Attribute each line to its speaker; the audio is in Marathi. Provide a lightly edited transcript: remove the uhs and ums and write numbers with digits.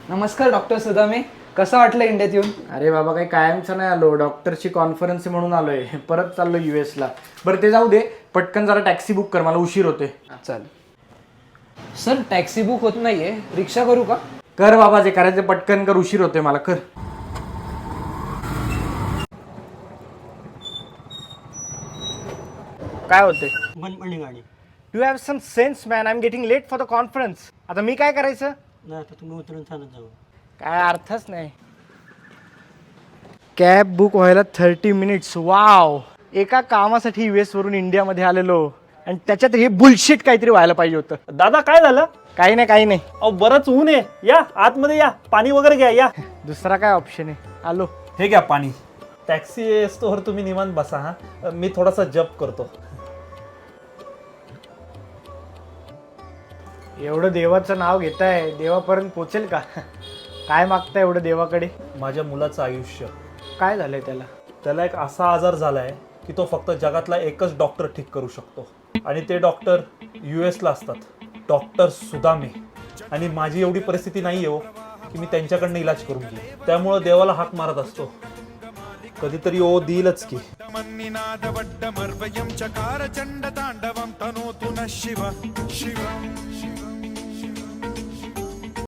Speaker 1: नमस्कार डॉक्टर सुदामे. कसं वाटलं इंडियात येऊन?
Speaker 2: अरे बाबा काही कायमचं नाही आलो, डॉक्टरची कॉन्फरन्स म्हणून आलोय. परत चाललो US ला. बरं ते जाऊ दे, पटकन जरा टॅक्सी बुक कर, मला उशीर होते.
Speaker 1: चालेल. सर टॅक्सी बुक होत नाहीये, रिक्षा करू का?
Speaker 2: कर बाबा, जे करायचं पटकन कर, उशीर होते मला, कर. काय होते?
Speaker 3: गाडी
Speaker 2: you have some sense man, I am getting late for the conference. आता मी काय करायचं?
Speaker 3: नाही आता तुम्ही उतरून चालत जाऊ.
Speaker 2: काय अर्थच नाही. कॅब बुक व्हायला 30 मिनिट्स. वाव, एका कामासाठी US वरून इंडियामध्ये आलेलो आणि त्याच्यात हे बुलशिट काहीतरी व्हायला पाहिजे होतं.
Speaker 4: दादा काय झालं?
Speaker 2: काही नाही काही नाही.
Speaker 4: अहो बरंच ऊन आहे, या आतमध्ये या, पाणी वगैरे घ्या या.
Speaker 2: दुसरा काय ऑप्शन आहे? आलो.
Speaker 4: हे घ्या पाणी. टॅक्सी असतोवर तुम्ही निवांत बसा. हा मी थोडासा जप करतो.
Speaker 2: एवढं देवाचं नाव घेताय, देवापर्यंत पोचेल का? काय मागताय एवढं देवाकडे?
Speaker 4: माझ्या मुलाचं आयुष्य.
Speaker 2: काय झालंय त्याला?
Speaker 4: त्याला एक असा आजार झालाय की तो फक्त जगातला एकच डॉक्टर ठीक करू शकतो आणि ते डॉक्टर US ला असतात, डॉक्टर सुदामे. आणि माझी एवढी परिस्थिती नाही हो की मी त्यांच्याकडनं इलाज करून घेईन. त्यामुळं देवाला हाक मारत असतो, कधीतरी ओ देईलच की.
Speaker 5: मन्निनादवड्डमर्वयं चकार चण्डताण्डवं तनोतु नः शिव शिवं शिव